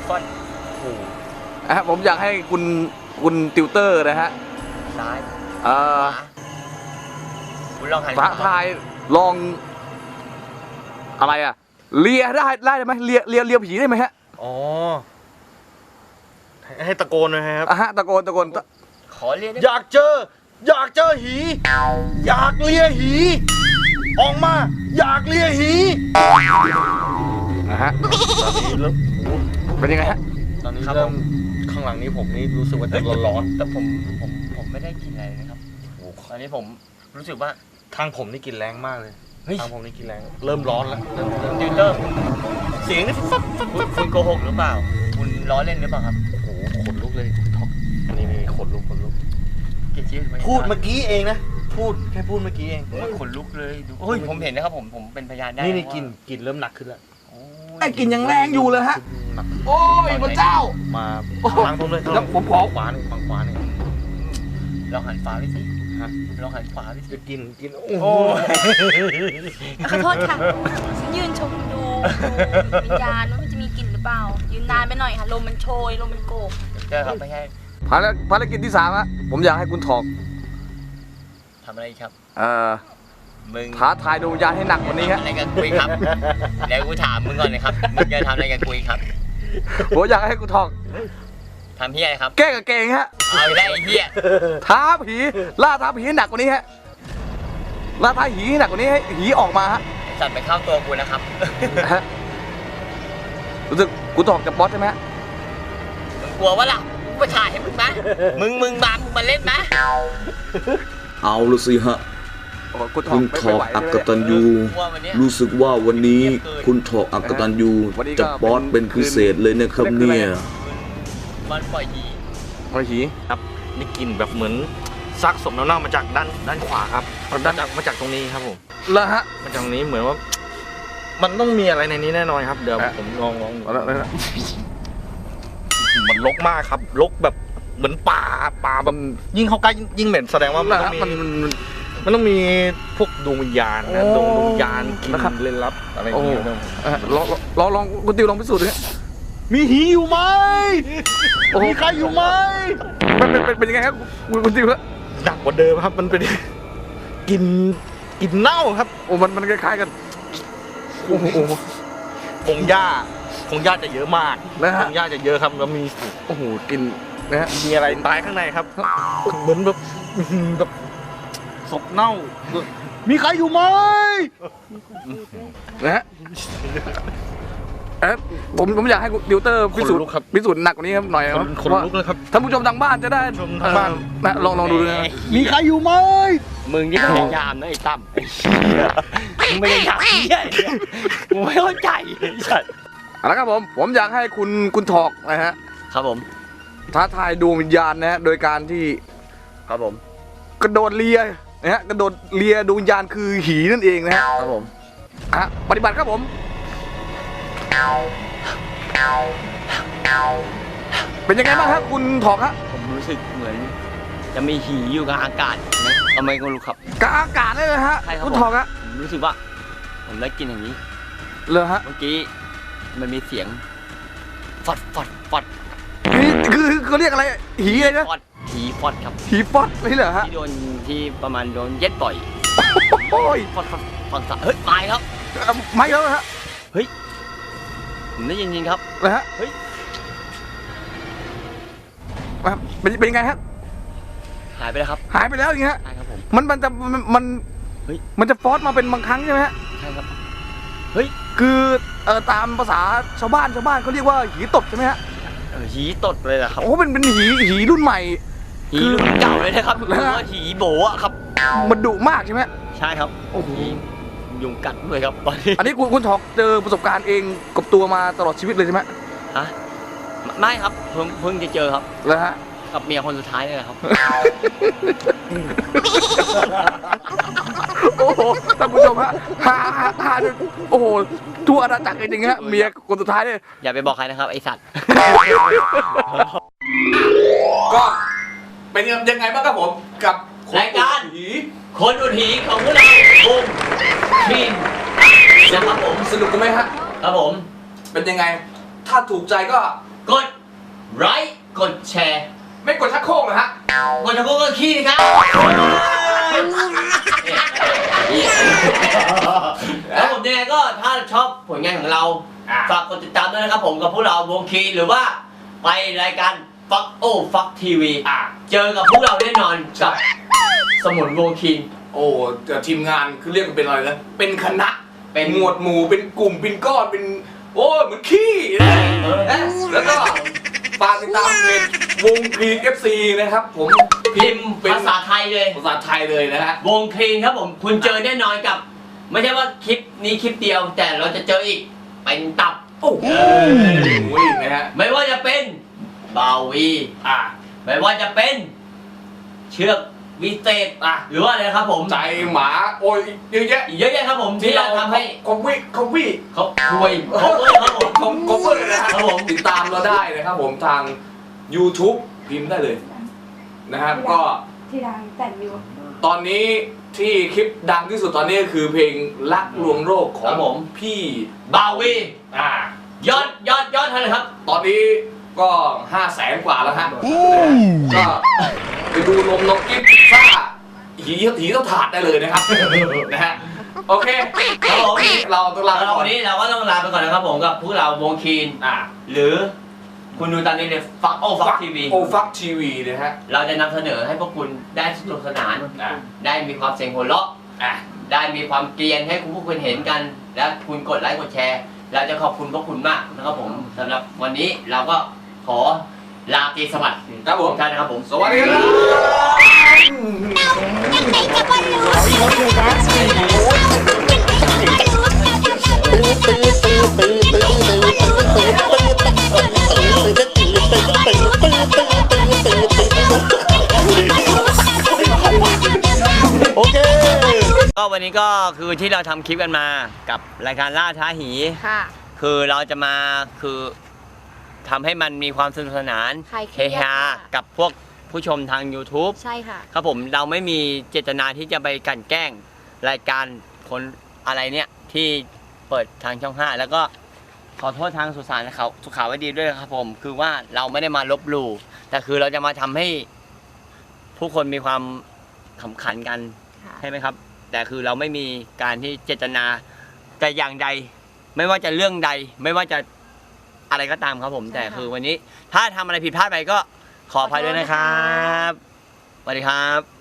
ฟอนโอ้ผมอยากให้คุณติวเตอร์นะฮะซ้ายคุณลองหันท้าทายลองอะไรอะเลียได้ไหมเลียผีได้ไหมฮะอ๋อให้ตะโกนเลยครับตะโกนขอเลียอยากเจอหีอยากเลียหีออกมาอยากเลียหีฮะเป็นยังไงฮะตอนนี้เริ่มข้างหลังนี้ผมนี่รู้สึกว่าจะร้อนแต่ผมไม่ได้กินอะไรนะครับตอนนี้ผมรู้สึกว่าทางผมนี่กินแรงมากเลยทางผมนี่กินแรงเริ่มร้อนแล้วติวเตอร์เสียงนี่คุณโกหกหรือเปล่าคุณล้อเล่นหรือเปล่าครับโอ้ขนลุกเลยท็อกนี่ขนลุกพูดเมื่อกี้เองนะแค่พูดเมื่อกี้เองขนลุกเลยดูโอ้ยผมเห็นนะครับผมเป็นพยานได้นี่กินเริ่มหนักขึ้นแล้วไอ้กินยังแรงอยู่เลยฮะโอ้ยพระเจ้ามาทางผมเลยแล้วผมขอขวาหนึ่งฝั่งขวานี่ลองหันฝาไปสิลองหันฝาไปสิจะกินโอ้ขอโทษค่ะฉันยืนชมดูวิญญาณว่ามันจะมีกลิ่นหรือเปล่ายืนนานไปหน่อยค่ะลมมันโชยลมมันโกกเจอครับไม่ใช่ภารกิจที่3ฮะผมอยากให้คุณถอกทำอะไรครับมึงท้าทายดวงวิญญาณให้หนักกว่านี้ฮะอะไรกันคุยครับเดี๋ยวกูถามมึงก่อนเลยครับมึงจะทำอะไรกันคุยครับผมอยากให้คุณถอกทำเฮี้ยครับแก้กับเก่งฮะเอาได้ไอ้เฮี้ยท้าผีล่าท้าผีให้หนักกว่านี้ฮะล่าท้าผีให้หนักกว่านี้ให้ผีออกมาฮะสัตว์ไปเข้าตัวกูนะครับรู้สึกกูถอกจากบอสใช่ไหมฮะมึงกลัววะล่ะกูมาถ่ายให้มึงไหมมึงมาเล่นไหมเอาละสิฮะคุณถอกอักตันยูรู้สึกว่าวันนี้คุณถอกอักตันยูจะบอสเป็นพิเศษเลยนะครับเนี่ยมันปล่อยหีครับนี่กินแบบเหมือนซักสมน้ำเน่ามาจากด้านขวาครับมาจากตรงนี้ครับผมแล้วฮะมาจากตรงนี้เหมือนว่ามันต้องมีอะไรในนี้แน่นอนครับเดี๋ยวผมลองมันรกมากครับรกแบบเหมือนป่าแบบยิ่งเข้าใกล้ยิ่งเหม็นแสดงว่ามันต้องมีพวกดวงวิญญาณนะดวงวิญญาณกินเล่นลับอะไรอย่างเงี้ยลองคุณติวลองพิสูจน์ดิมีหีอยู่ไหมมีใครอยู่ไหมมันเป็นยังไงครับคุณติวครับหนักกว่าเดิมครับมันเป็นกินเน่าครับโอ้มันคล้ายๆกันโอ้โหคงหญ้าจะเยอะมากคงหญ้าจะเยอะครับแล้วมีโอ้โหกินนะฮะมีอะไรตายข้างในครับเหมือนแบบศพเน่ามีใครอยู่ไหมนะฮะผมอยากให้ติวเตอร์พิสูจน์หนักกว่านี้ครับหน่อยครับคนลุกเลยครับท่านผู้ชมทางบ้านจะได้ทางบ้านนะลองดูนะมีใครอยู่ไหมมึงยิ่งพยายามนะไอ้ตั้มมึงไม่ได้อยากเหี้ยกูไม่เข้าใจแล้วครับผมอยากให้คุณถอกนะฮะครับผมท้าทายดวงวิญญาณนะฮะโดยการที่ครับผมกระโดดเลียนะฮะกระโดดเลียดวงวิญญาณคือหีนั่นเองนะฮะครับผมปฏิบัติครับผมเป็นยังไงบ้างครับคุณถอกฮะผมรู้สึกเหมือนจะมีหีอยู่กับอากาศนะทำไมก็รู้ครับกับอากาศเลยนะฮะคุณถอกฮะผมรู้สึกว่าผมได้กินอย่างนี้เลยฮะเมื่อกี้มันมีเสียงฟอดคือเขาเรียกอะไรหีอะไรนะหีฟอดครับหีฟอดนี่เหรอฮะที่ประมาณโดนเย็ดบ่อยโอ้ยฟอดฟังซะเฮ้ยตายครับไม่แล้วฮะเฮ้ยผมได้ยินจริงครับนะฮะเฮ้ยเป็นยังไงฮะหายไปแล้วครับหายไปแล้วอย่างเงี้ยใช่ครับผมมันจะฟอสมาเป็นบางครั้งใช่ไหมฮะใช่ครับเฮ้ยคือตามภาษาชาวบ้านเขาเรียกว่าหีตดใช่ไหมฮะหีตดเลยนะครับโอ้เป็นหีรุ่นใหม่หีรุ่นเก่าเลยนะครับเรียกว่าหีโบะครับมันดุมากใช่ไหมใช่ครับโอ้โหยุงกัดด้วยครับอันนี้คุณถอกเจอประสบการณ์เองกับตัวมาตลอดชีวิตเลยใช่ไหมฮะไม่ครับเพิ่งจะเจอครับแล้วฮะกับเมียคนสุดท้ายเลยครับโอ้โหท่านผู้ชมฮะฮาโอ้โหทั่วอาณาจักรจริงๆฮะเมียคนสุดท้ายเลยอย่าไปบอกใครนะครับไอสัตว์ก็เป็นยังไงบ้างครับผมกับรายการคนอุดหีของพวกเราบุมทีมนะครับผมสนุกกันไหมฮะครับผมเป็นยังไงถ้าถูกใจก็กดไลค์กดแชร์ไม่กดชักโครกเหรอฮะกดจะพูดก็ขี้สิครับแล้วผมยังไงก็ถ้าชอบผลงานของเราฝากกดติดตามด้วยนะครับผมกับพวกเราวงคีหรือว่าไปรายการฟักฟักทีวีเจอกับพวกเราแน่นอนกับสมุนวงคีโอ้ทีมงานคือเรียกกันเป็นอะไรนะเป็นคณะเป็นหมวดหมู่เป็นกลุ่มเป็นก้อนเป็นโอ้เหมือนขี้แล้วก็ฝากติดตามเพจวงคลีน FC นะครับผมพิมพ์ภาษาไทยเลยภาษาไทยเลยนะฮะวงคลีนครับผมคุณเจอแน่นอนกับ ไม่ใช่ว่าคลิปนี้คลิปเดียว แต่เราจะเจออีกเป็นตับโอ้โหนะฮะไม่ว่าจะเป็นบาวีไม่ว่าจะเป็นเชือกวิเศษหรือว่าอะไรครับผมใจหมาโอ้ยเยอะแยะอีกเยอะแยะครับผมที่เราทำให้คอมวี่เขาคุยครับผมคอมเวอร์นะฮะติดตามเราได้นะครับผมทาง YouTube พิมพ์ได้เลยนะครับก็ที่ดังแต่งอยู่ตอนนี้ที่คลิปดังที่สุดตอนนี้คือเพลงรักลวงโรคของผมพี่บาวียอดเท่าไหร่ครับตอนนี้ก็ 500,000 กว่าแล้วฮะก็ไปดูนมน้องกิ๊บซ่าหีเท่าถาดได้เลยนะครับนะฮะโอเคครับผมเราต้องลาไปก่อนวันนี้เราก็ต้องลาไปก่อนนะครับผมกับพวกเราวงคีนหรือคุณดูตอนนี้เลยฟักทีวีโอฟักทีวีนะฮะเราจะนำเสนอให้พวกคุณได้สนุกสนานได้มีความเสียงหัวเราะได้มีความเกรียนให้คุณพวกคุณเห็นกัน และคุณกดไลค์กดแชร์เราจะขอบคุณพวกคุณมากนะครับผมสำหรับวันนี้เราก็ขอลาตรีสวัสดิ์ครับผมทุกท่านนะครับผมสวัสดีครับยังไงจะบอลลูก็วันนี้ก็คือที่เราทำคลิปกันมากับรายการล่าท้าหีค่ะคือเราจะมาคือทำให้มันมีความสนุกสนานคลายเคเฮรียดฮาค่ะกับพวกผู้ชมทาง YouTube ใช่ค่ะครับผมเราไม่มีเจตนาที่จะไปกลั่นแกล้งรายการคนอะไรเนี่ยที่เปิดทางช่อง 5 แล้วก็ขอโทษทางสุสานเขาสุขาวดีด้วยนะครับผมคือว่าเราไม่ได้มาลบหลู่แต่คือเราจะมาทำให้ผู้คนมีความขำขันกันค่ะใช่ไหมครับ แต่คือเราไม่มีการที่เจตนาแต่อย่างใด ไม่ว่าจะเรื่องใด ไม่ว่าจะอะไรก็ตามครับผม แต่คือวันนี้ถ้าทำอะไรผิดพลาดไปก็ขออภัยด้วยนะครับสวัสดีครับ